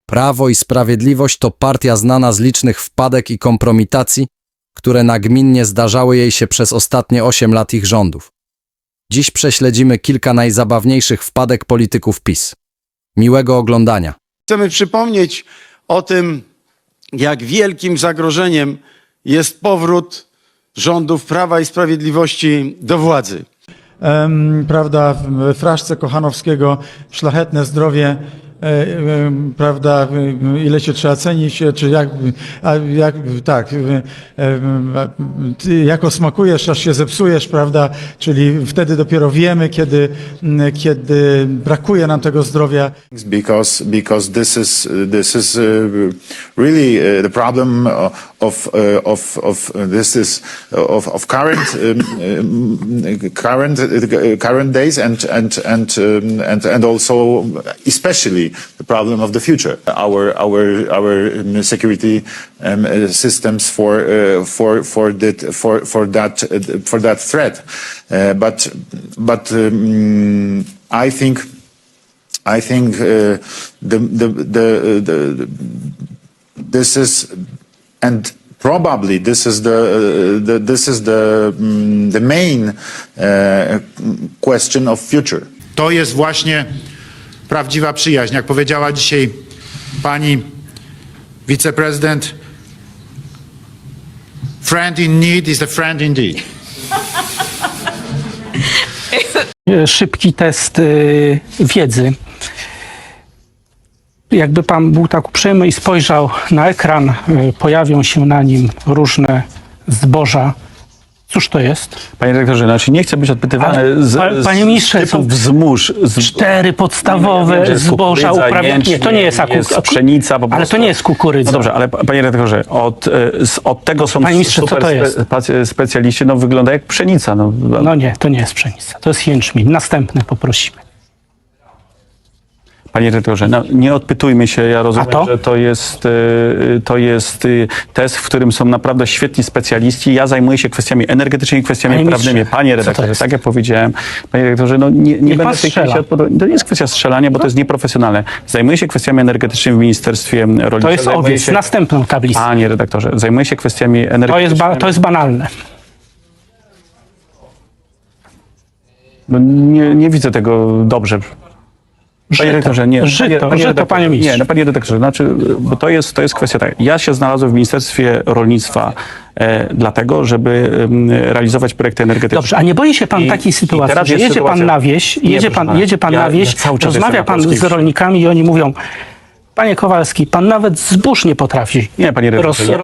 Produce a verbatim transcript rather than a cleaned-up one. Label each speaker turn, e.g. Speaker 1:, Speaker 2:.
Speaker 1: Prawo i Sprawiedliwość to partia znana z licznych wpadek i kompromitacji, które nagminnie zdarzały jej się przez ostatnie osiem lat ich rządów. Dziś prześledzimy kilka najzabawniejszych wpadek polityków PiS. Miłego oglądania.
Speaker 2: Chcemy przypomnieć o tym, jak wielkim zagrożeniem jest powrót rządów Prawa i Sprawiedliwości do władzy.
Speaker 3: Em, prawda, w fraszce Kochanowskiego szlachetne zdrowie, e, e, prawda, e, ile się trzeba cenić, czy jak, a jak tak, e, e, ty jako smakujesz, aż się zepsujesz, prawda, czyli wtedy dopiero wiemy, kiedy, m, kiedy brakuje nam tego zdrowia.
Speaker 4: Because because this is this is uh, really uh, the problem of uh, of of uh, this is of of current um, um, current uh, current days and and and um, and and also especially the problem of the future. Our our our um, security um, uh, systems for uh, for for that for for that uh, for that threat. Uh, but but um, I think. I think uh, the, the, the, the, this is, and probably this is the, uh, the this is the, um, the main uh, question of future.
Speaker 5: To jest właśnie prawdziwa przyjaźń. Jak powiedziała dzisiaj pani wiceprezydent, friend in need is a friend indeed.
Speaker 6: Szybki test y, wiedzy. Jakby pan był tak uprzejmy i spojrzał na ekran, y, pojawią się na nim różne zboża. Cóż to jest?
Speaker 7: Panie dyrektorze, znaczy nie chcę być odpytywany
Speaker 6: Ale,
Speaker 7: z,
Speaker 6: pa-
Speaker 7: z
Speaker 6: panie ministrze,
Speaker 7: typów
Speaker 6: są
Speaker 7: wzmóż. Z,
Speaker 6: Cztery podstawowe
Speaker 7: Ja wiem, że jest
Speaker 6: zboża
Speaker 7: kukurydza,
Speaker 6: uprawiane. Nie, to nie jest
Speaker 7: jest
Speaker 6: akurat.
Speaker 7: pszenica po
Speaker 6: Ale
Speaker 7: prostu.
Speaker 6: to nie jest kukurydza.
Speaker 7: No dobrze, ale pa- panie redaktorze, od, y, z- od tego są
Speaker 6: Panie ministrze, co
Speaker 7: super
Speaker 6: to jest?
Speaker 7: spe, specjaliści, no wygląda jak pszenica. No,
Speaker 6: No nie, to nie jest pszenica. To jest jęczmień. Następne poprosimy.
Speaker 7: Panie redaktorze, no, nie odpytujmy się, ja rozumiem,
Speaker 6: A to?
Speaker 7: że to jest, y, to jest y, test, w którym są naprawdę świetni specjaliści. Ja zajmuję się kwestiami energetycznymi, kwestiami
Speaker 6: Panie
Speaker 7: prawnymi.
Speaker 6: ministrze,
Speaker 7: Panie
Speaker 6: co to
Speaker 7: redaktorze,
Speaker 6: jest?
Speaker 7: tak jak powiedziałem, panie redaktorze, no nie, nie
Speaker 6: Niech
Speaker 7: będę
Speaker 6: pan
Speaker 7: w tej chwili
Speaker 6: strzela.
Speaker 7: się odpowiadał. To nie jest kwestia strzelania, bo to jest nieprofesjonalne. Zajmuję się kwestiami energetycznymi w Ministerstwie Rolnictwa.
Speaker 6: To jest
Speaker 7: Zajmuję
Speaker 6: owiec.
Speaker 7: się-
Speaker 6: Następną tablicę.
Speaker 7: Panie redaktorze, zajmuję się kwestiami energetycznymi.
Speaker 6: To jest, ba- to jest banalne.
Speaker 7: No, nie, nie widzę tego dobrze. Panie redaktorze, nie.
Speaker 6: Żyto,
Speaker 7: panie
Speaker 6: żyto,
Speaker 7: redaktorze,
Speaker 6: panie ministrze.
Speaker 7: Nie, no panie redaktorze, znaczy, bo to jest, to jest kwestia tak. Ja się znalazłem w Ministerstwie Rolnictwa e, dlatego, żeby em, realizować projekty energetyczne.
Speaker 6: Dobrze, a nie boi się pan
Speaker 7: I-
Speaker 6: takiej
Speaker 7: i
Speaker 6: sytuacji,
Speaker 7: teraz
Speaker 6: że
Speaker 7: jest
Speaker 6: jedzie pan
Speaker 7: sytuacja-
Speaker 6: na wieś,
Speaker 7: Nie,
Speaker 6: jedzie
Speaker 7: proszę
Speaker 6: pan,
Speaker 7: pana.
Speaker 6: jedzie pan
Speaker 7: Ja-
Speaker 6: na wieś,
Speaker 7: ja cały czas
Speaker 6: rozmawia
Speaker 7: jestem na
Speaker 6: pan
Speaker 7: polskiej
Speaker 6: z
Speaker 7: wsi.
Speaker 6: rolnikami i oni mówią: panie Kowalski, pan nawet zbóż nie potrafi
Speaker 7: Nie, panie redaktorze,
Speaker 6: roz-
Speaker 7: ja-